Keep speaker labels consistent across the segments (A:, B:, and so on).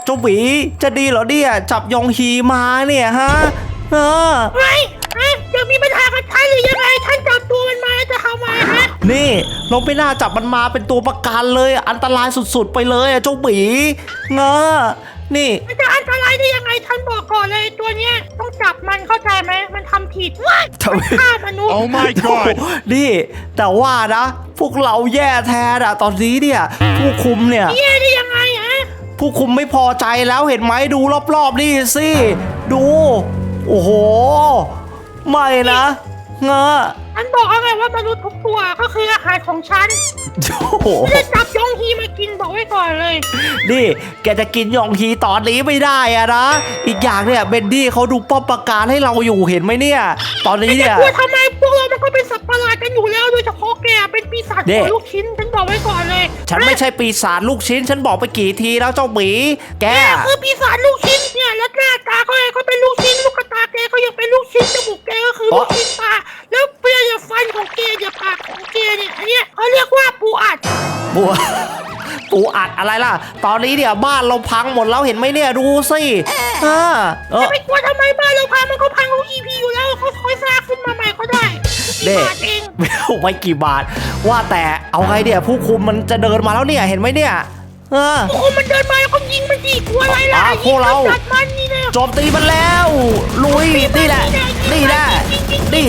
A: จ้าหวีจะดีเหรอเนี่ยจับยองฮีมาเนี่ยฮะ
B: ไม่จะมีปัญหากับฉันหรือยังไงฉันจับตัวมันมาจะทำไมฮะ
A: นี่เราไม่น่าจับมันมาเป็นตัวประกันเลยอันตรายสุดๆไปเลยเจ้าหวีนี่
B: มันจะอันตรายได้ยังไงฉันบอกก่อนเลยตัวเนี้ยต้องจับมันเข้าใจไหมมันทำผิดมันฆ่ามนุษย์
C: Oh my god
A: นี่แต่ว่านะพวกเราแย่แท้อะตอนนี้เนี่ยผู้คุมเนี่ย
B: แย่ได้ยังไงฮะ
A: ผู้คุมไม่พอใจแล้วเห็นไหมดูรอบๆนี่สิดูโอ้โหไม่นะ
B: ฉันบอกเอาไงว่ามนุษย์ทุกตัวก็คืออาหารของฉันจะจับยองฮีมากินบอกไว้ก่อนเลย
A: นี่แกจะกินยองฮีตอนนี้ไม่ได้อะนะอีกอย่างเนี่ยเบนดี้เขาดูป้อมปราการให้เราอยู่เห็นไหมเนี่ยตอนนี้เนี่ย
B: กลัวทำไมพวกเรามันก็เป็นสัตว์ประหลาดกันอยู่แล้วโดยเฉพาะแกเป็นปีศาจลูกชิ้นฉันบอกไว้ก่อนเลย
A: ฉันไม่ใช่ปีศาจลูกชิ้นฉันบอกไปกี่ทีแล้วเจ้าหมีแก
B: คือปีศาจลูกชิ้นเนี่ยแล้วหน้าตาก็เป็นลูกชิ้นลูกตาแกก็ยังเป็นลูกชิ้นจมูกแกก็คือลูกชิ้นตาแล้วเปลือยฟันของแกอย่าปากของแกเนี่ยอันเนี้ยเขาเรียกว่าปูอัด
A: ปูอัดอะไรล่ะตอนนี้เนี่ยบ้านเราพังหมดแล้วเห็นไหมเนี่ยดูสิ
B: จะไม่กลัวทำไมบ้านเราพังมันก็พังของ EP อยู่แล้วเขาค่อยสร้างขึ้นมาใหม่ก็ได้กี่บาทเอง
A: ไม่กี่บาทว่าแต่เอาไงเนี่ยผู้คุมมันจะเดินมาแล้วเนี่ยเห็นไหมเนี่ย
B: ผู้คุมมันเดินมาแล้วก็ยิงมันดิกลัวอะไรล่ะ
A: พวกเราโจมตีมันแล้วลุยนี่แหละนี่แหละนี่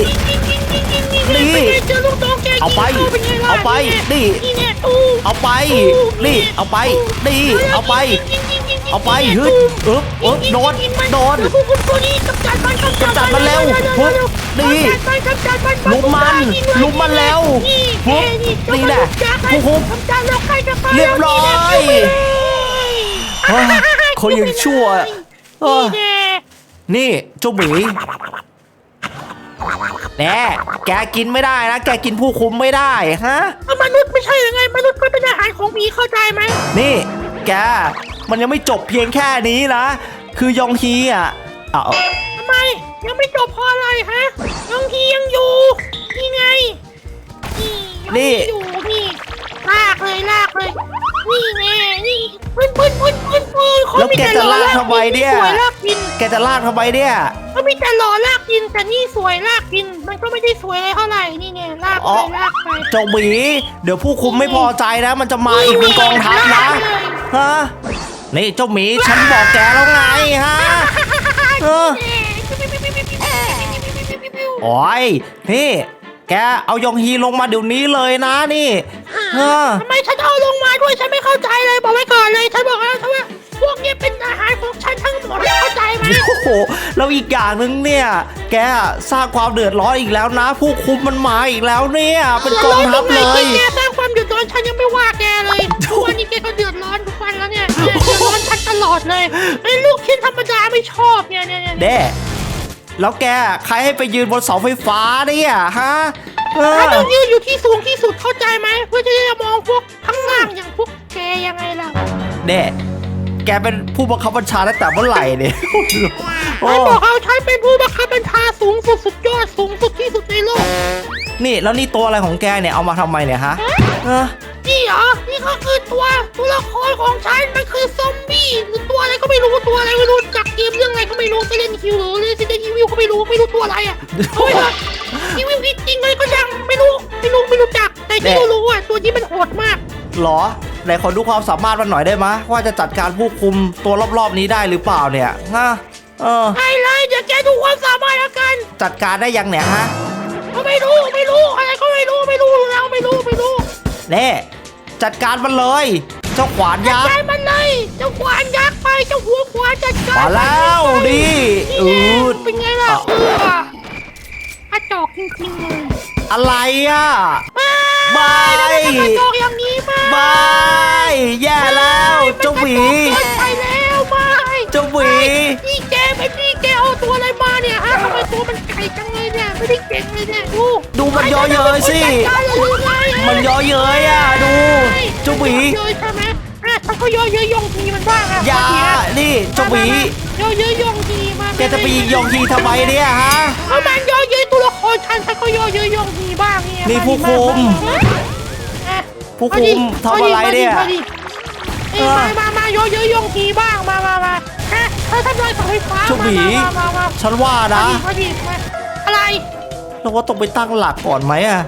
A: เอาไปเอาไปนี่เอาไปนี่เอาไปนี่เอาไปเอาไปฮึดโดนกำจัดมันแล้วนี่ลุมมันแล้วนี่แหละผู้คุมเรียบร้อยเขายังชั่วนี่เจ้าหมีแน่แกกินไม่ได้นะแกกินผู้คุมไม่ได้ฮะ
B: มนุษย์ไม่ใช่ยังไงมนุษย์ก็เป็นอาหารของหมีเข้าใจไหม
A: นี่แกมันยังไม่จบเพียงแค่นี้นะคือยองฮี
B: ทำไมยังไม่จบเพราะอะไรฮะยองฮียังอยู่นี่ไงนี่อยู่นี่ลากเลยนี่ไงนี่ปืน
A: แล้วแกจะลากทำไมเนี่ยแกจะลากทำไมเนี่ย
B: ก็มีแต่หล่อลากกินแต่นี่สวยลากกินมันก็ไม่ได้สวยเท่าไหร่นี่ไงลากไป
A: เจ้าหมีเดี๋ยวผู้คุมไม่พอใจนะมันจะมาอีกเป็นกองทัพนะฮะนี่เจ้าหมีฉันบอกแกแล้วไงฮะโอ้ยนี่แกเอายองฮีลงมาเดี๋ยวนี้เลยนะนี่
B: ทำไมฉันเอาลงมาด้วยฉันไม่เข้าใจเลยบอกไว้ก่อนเลยฉันบอกแล้วว่าพวกนี้เป็นอาหารของฉันทั้งหมดเข้าใจไหม
A: โอ้โหแล้วอีกอย่างนึงเนี่ยแกสร้างความเดือดร้อนอีกแล้วนะผู้คุมมันมาอีกแล้วเนี่ยเป็นกองทัพเลย
B: แกสร้างความเดือดร้อนฉันยังไม่ว่าแกเลยทุกวันนี้แกก็เดือดร้อนทุกวันแล้วเนี่ยเดือดร้อนฉันตลอดเลยไอ้ลูกชิ้นธรรมดาไม่ชอบเนี่ย
A: เด้แล้วแกใครให้ไปยืนบนเสาไฟฟ้าเนี่ยฮะ
B: ถ้าต้องยืนอยู่ที่สูงที่สุดเข้าใจไหมเพื่อจะได้มองพวกข้างล่างอย่างพวกแกยังไงล่ะ
A: เด้แกเป็นผู้บังคับบัญชาตั้งแต่เมื่อไหร่เนี่ย
B: ฉันบอกเอาฉันเป็นผู้บังคับบัญชาสูงสุดสุดยอดสูงสุดที่สุดในโลก
A: นี่แล้วนี่ตัวอะไรของแกเนี่ยเอามาทำไมเนี่ยฮะ
B: นี่เหรอนี่ก็คือตัวละครของฉันมันคือซอมบี้หรือตัวอะไรก็ไม่รู้ตัวอะไรไม่รู้จากเกมเรื่องอะไรก็ไม่รู้ไปเล่นคิวหรือเล่นซิเดนอีวิลก็ไม่รู้ตัวอะไรอ่ะเอาไปเลยอีวิลจริงเลยก็ยังไม่รู้จักแต่ที่รู้อ่ะตัวนี้มันโหดมาก
A: หรอไหนขอดูความสามารถมันหน่อยได้ไหมว่าจะจัดการผู้คุมตัวรอบๆนี้ได้หรือเปล่าเนี่ย
B: ได้เลยเดี๋ยวแกดูความสามารถแล้วกัน
A: จัดการได้ยังเนี่ยฮะ
B: ไม่รู้อะไรก็ไม่รู้แล้วไม่รู้
A: เน่จัดการมันเลยเจ้าขวานยักษ์
B: จัดการมันเลยเจ้าขวานยักษ์ไปเจ้าหัวขวานจัดการ
A: มาแล้วดิ
B: เป็นไงล่ะกระจอกจริงๆเลย
A: อะไรอ่ะ
B: ไม่กระจอกอย่างนี้
A: ไม่แย่แล้วเจ้าหวี
B: ไปแล้วไม่
A: เจ้าหวี
B: นี่แกเอาตัวอะไรมาเนี่ยฮะทำไมตัวมันไก่จังเลยเนี่ยไม่ได้เก่งเลยเนี่ย
A: ดูมันย่อเย้ยสิมันย่อเย้ยอ่ะดูเจ้าหวี
B: เย้ยใช่ไหมถ้าเขาย่อเย้ยยองทีมันบ้าง
A: อย่านี่เจ้าหวี
B: ย่อเย้ยยองทีมา
A: แกจะไปยิงยองทีทำไมเนี่ยฮะ
B: เพราะมันย่อเย้ยตัวละครฉันก็ย่อเย้ยยองทีบ้างเนี่ย
A: นี่ผู้คุมทำอะไรเนี่ย
B: มาเยอะยงทีบ้างมาถ้าทำลายเสาไฟฟ้า
A: เจ้าหมี
B: มา
A: ฉันว่านะ
B: มาดิอะไร
A: เราก็ต้องไปตั้งหลักก่อนไหมอะ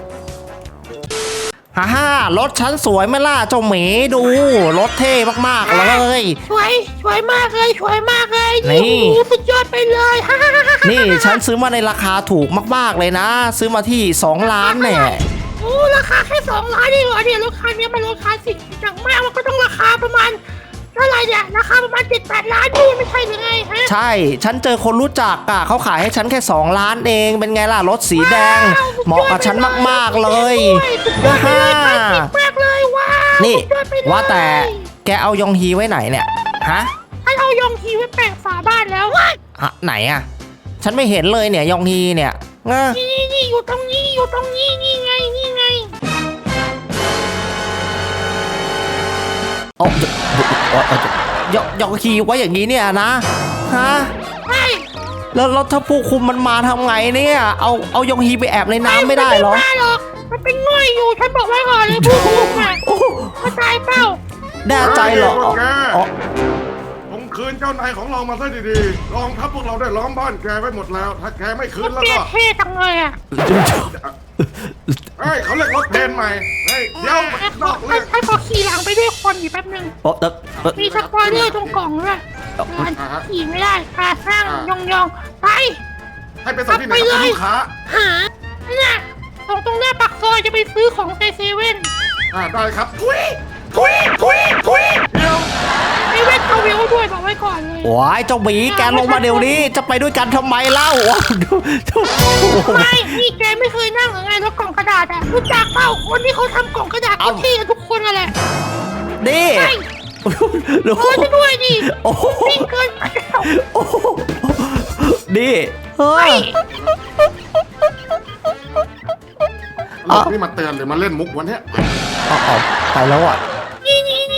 A: ฮ่ารถฉันสวยไหมล่ะเจ้าหมีดูรถเท่มากๆเลย
B: สวยมากเลย
A: นี่
B: สุดยอดไปเลย
A: นี่ฉันซื้อมาในราคาถูกมากๆเลยนะ ซื้อมาที่2 ล้านแน่
B: โอ้ราคาแค่2 ล้านนี่เหรอเนี่ยราคาเนี้ยมันราคาสิอย่างมากมันก็ต้องราคาประมาณเท่าไหร่เนี่ยราคาประมาณ7-8 ล้านนี่ไม่ใช่หรือไงฮะ
A: ใช่ฉันเจอคนรู้จักอ่ะเขาขายให้ฉันแค่2 ล้านเองเป็นไงล่ะรถสีแดงเหมาะกับฉันมากๆเลยฮ่า
B: มากเลยว้าว
A: นี่
B: สุดยอดไปเลย
A: ว่าแต่แกเอายองฮีไว้ไหนเนี่ยฮะ
B: ให้เอายองทีไว้แปะฝาบ้านแล้ว
A: ไหนอ่ะฉันไม่เห็นเลยเนี่ยยองฮีเนี่ย
B: นี่อยู่ตรงนี้นี่ไง
A: โอ้ยองฮีไว้อย่างนี้เนี่ยนะฮะ
B: ใช่
A: แล้วถ้าผู้คุมมันมาทำไงเนี่ยเอายองฮีไปแอบในน้ำไม่ได้เหรอ
B: ไม่ได้หรอกมันเป็นง่อยอยู่ฉันบอกไว้ก่อนเลยผู้คุมอ่ะเข้าใจเปล่า
A: แน่ใจเหรอ
C: ผมคืนเจ้านายของเรามาซะดีๆรองทัพพวกเราได้ล้อมบ้านแกไว้หมดแล้ว ถ้าแกไม่คืนแล้ว
B: เท่
C: ก็
B: เท่จังเลยอ่ะ
C: เฮ้ยเขาเรียกรถเพนใหม่ เฮ้ยเดี๋ยวมันนอกเรื่อง
B: ให้ขอขี่หลังไปด้วยคนอยู่แป๊บนึงมีสปอยเลอร์ตรงกล่องด้วยขี่ไม่ได้ขาข้างยองไป
C: ให้ไปส่งที่ไหนกับลูกค้า
B: หาเนี่ยตรงหน้าปากซอยจะไปซื้อของในเซเว่น
C: ได้ครับทุยเดี๋ยว
B: เซเว่นเขาเวลด้วยบอกไว้ก่อนเลย
A: ว้ายเจ้าหมีแกลงมาเดี๋ยวนี้จะไปด้วยกันทำไมเล่า
B: ไม่นี่แกไม่เคยนั่งหรือไงรถกล่องกระดาษอ่ะรู้จักเปล่าคนที่เขาทำกล่องกระดาษเขาเท่กันทุกคนอะไร
A: นี่
B: ใช่จะด้วยดิวิ่งเกินไปแล้ว
A: นี่เฮ้ย
C: นี่มาเตือนหรือมาเล่นมุกวันเนี้ย
A: เอาไปแล้วอ่ะ
B: นี่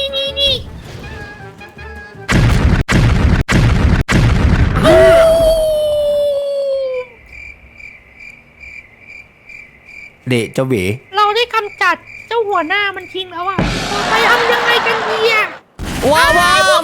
A: เด็กเจ้าหมี
B: เราได้กำจัดเจ้าหัวหน้ามันทิ้งแล้วอ่ะไปทำยังไงกันดีอ่ะ
A: ว้าว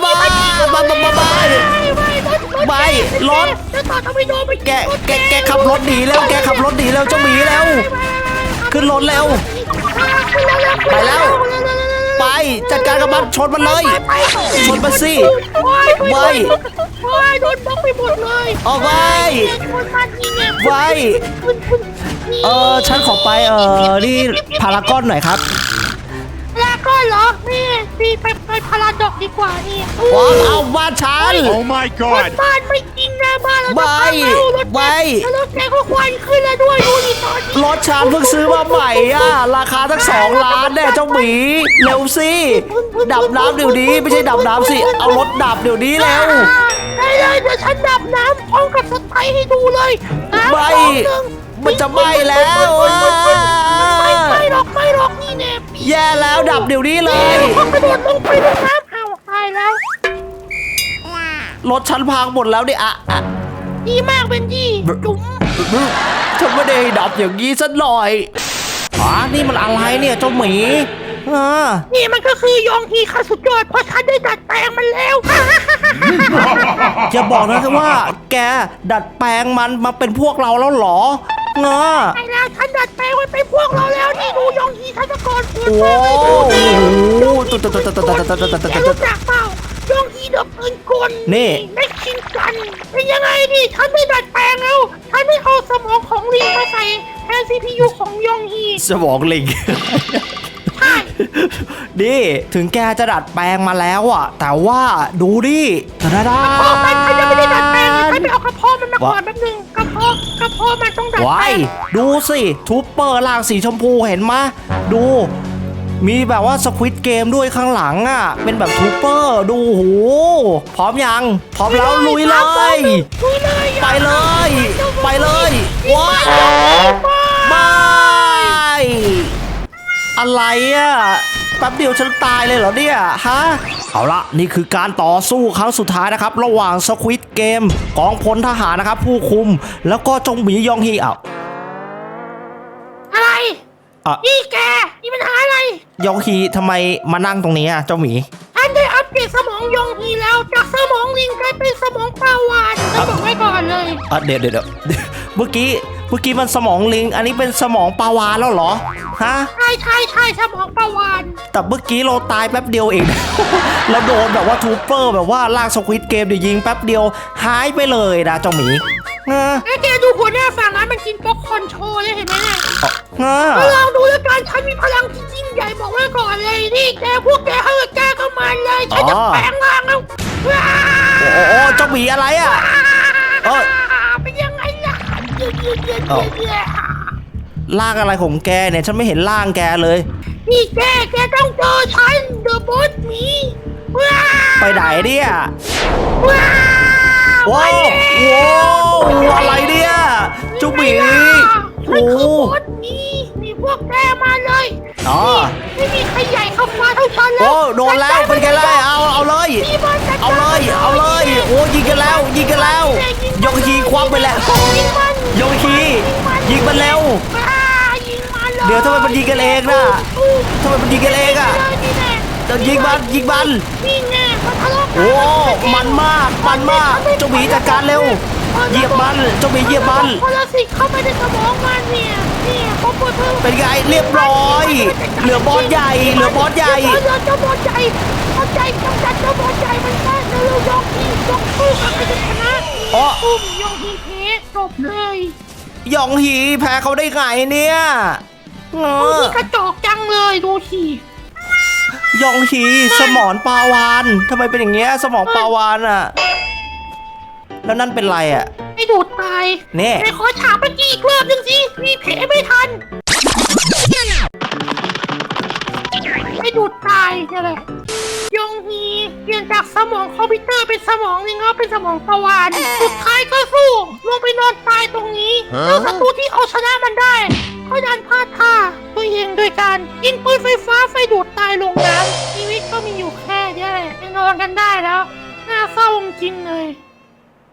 A: รถ
B: จะต่อทำไมโดนไป
A: แกขับรถหนีแล้วแกขับรถหนีแล้วเจ้าหมีแล้วขึ้นรถแล้วไปแล้วไปจัดการกับมันชนมันเลยชนมันสิไว้
B: โดนบล็อกไปหมดเลย
A: เอาไว้
B: ชนมันนี่เนี่ย
A: ไว้ฉันขอไปนี่พารากอนหน่อยครับ
B: แล้วก็เหรอนี่ไปพาราดอกดีกว่านี่
A: ว้าวเอาบ้านฉัน
D: Oh my
B: รถ
D: god!
B: บ้านไม่จริงนะบ้านเรา
A: ไว้
B: แล้วรถแกก็ควันขึ้นแล้วด้วยดูดิตอนนี้
A: รถฉันเพิ่งซื้อมาใหม่อ่ะราคาตั้ง2 ล้านแน่เจ้าหมีเร็วสิดับน้ำเดี๋ยวนี้ไม่ใช่ดับน้ำสิเอารถดับเดี๋ยวนี้เร็ว
B: ได้เลยเดี๋ยวฉันดับน้ำพร้อมกับสไตล์ให้ดูเลย
A: ไม่มันจะไหม้แล้ว
B: ไม่หรอกนี่แน่
A: แย่แล้วดับเดี๋ยวนี้เลย
B: พอกระโดดลงไปในน้ำเอาตายแล้ว
A: รถฉันพังหมดแล้วเนี่ยอะ
B: ดีมากเบนจี้จุ๋ม
A: ฉันไม่ได้ดับอย่างนี้สักหน่อยนี่มันอะไรเนี่ยเจ้าหมี
B: นี่มันก็คือยองฮีค่ะสุดยอดเพราะฉันได้ดัดแปลงมันแล้ว
A: อย่าบอกนะว่าแกดัดแปลงมันมาเป็นพวกเราแล้วเหรอ
B: ใช่แล้วฉันดัดแปลงไว้เป็นพวกเราแล้วนี่ดูยองฮีฉันตะกอนคุณ
A: โอ้
B: แกรู้จักเปล่ายองฮีดับปืนกลไม่ชิงกันเป็นยังไงดิฉันได้ดัดแปลงแล้วฉันได้เอาสมองของลิงมาใส่แทน CPU ของยองฮี
A: สมองลิงดิถึงแกจะดัดแปลงมาแล้วอ่ะแต่ว่าดูดิ
B: กระเพาะมันยังไม่ได้ดัดแปลงฉันไปเอากระเพาะมันมาก่อนแป๊บนึงกระเพาะมันต้องดัดแปลง
A: ดูสิทูปเปอร์ล่างสีชมพูเห็นไหมดูมีแบบว่าสควิตเกมด้วยข้างหลังอ่ะเป็นแบบทูปเปอร์ดูโหพร้อมยังพร้อมแล้วลุยเลยไปเลยว้าวบายอะไรอ่ะแป๊บเดียวฉันตายเลยเหรอเนี่ยฮะเอาละนี่คือการต่อสู้ครั้งสุดท้ายนะครับระหว่างสควิตเกมกองพลทหารนะครับผู้คุมแล้วก็จงหมียองฮี
B: อะไรนี่แกมีปัญหาอะไร
A: ยองฮีทำไมมานั่งตรงนี้อ่ะเจ้าหมี
B: ฉันได้เอาเปลี่ยนสมองยองฮีแล้วจากสมองลิงกลายเป็นสมองปลาวาฬจะบอกไว้ก่อนเลย
A: เดี๋ยวเมื่อกี้มันสมองลิงอันนี้เป็นสมองปลาวาฬแล้วเหรอฮะ
B: ใช่สมองปลาวาฬ
A: แต่เมื่อกี้เราตายแป๊บเดียวเอง เราโดนแบบว่าทูเปอร์แบบว่าลากสควิดเกมเดี๋ยวยิงแป๊บเดียวหายไปเลยนะเจ้าหมีนะ
B: ไอ้แกดูหัวหน้าฝั่งนั้นมันกินป๊อปคอร์นโชว์เลยเห็นไหมเนี่ย
A: นะ
B: ลองดูแล้วกันฉันมีพลังที่ยิ่งใหญ่บอกไว้ก่อนเลยนี่แกพวกแกเข้ามาเลยฉันจะแปลงร่างแล้วว้า
A: โอ้เจ้าหมีอะไรอ่ะ
B: เป็นยังไงล่ะเยอะ
A: ล่างอะไรของแกเนี่ยฉันไม่เห็นล่างแกเลย
B: นี่แกต้องเจอฉันเดอะบอสมีว้า
A: ไปไหนเนี่ย
B: ว้า
A: ว้าวอะไรเนี่ยเจ้าหมี
B: ฉันคือบอสมีนี่พวกแกมาเลย
A: อ๋อ
B: ไม่มีใครใหญ่เข้ามาเท่าฉันแล้ว
A: โอ้โดนแล้วเป็นไงล่ะเอาเลยเอาเลยโอ้ยิงกันแล้วยกฮีควักไปแล้วยกฮียิงมันแล้ว เดี๋ยวทำไมมันยิงกันเองน่ะทำไมมันยิงกันเองอ่ะจะยิงมัน
B: นี่ไงมันทะเลาะกัน
A: โอ้มันมากเจ้าหมีจัดการเร็วเหยียบมันเจ้าหมีเหยียบมัน
B: พลสิกเข้าไปในสมองมันเนี่ยพอปวดเธอ
A: เป็นไงเรียบร้อยเหลือบอสใหญ่
B: เจ้าบอสใหญ่กำจัดเจ้าบอสใหญ่มันแค่เร็วยองฮียองสู้กันไปจนชนะตุ้มยองฮีเพจบเลย
A: หยองหีแพ้เขาได้ไงเนี่ย
B: ดูที่กระจอกจังเลยดูสิ
A: หยองหีสมอนปลาวานทำไมเป็นอย่างเงี้ยสมองปลาวานอ่ะแล้วนั่นเป็นไรอ่ะ
B: ไอ้ดูดตาย
A: เนี่ย
B: ไอ้ขอถามเมื่อกี้อีกรอบนึงสิมีเพไม่ทันไอ้ดูดตายนี่แหละยองฮีเปลี่ยนจากสมองคอมพิวเตอร์เป็นสมองลิงแล้วเป็นสมองปลาวาฬสุดท้ายก็สู้ลงไปนอนตายตรงนี้แล้วศัตรูที่เอาชนะมันได้ก็ดันพลาดท่าตัวเองโดยการยิงปืนไฟฟ้าไฟดูดตายลงน้ำชีวิตก็มีอยู่แค่นี้แหละนอนกันได้แล้วน่าเศร้าจริงเลย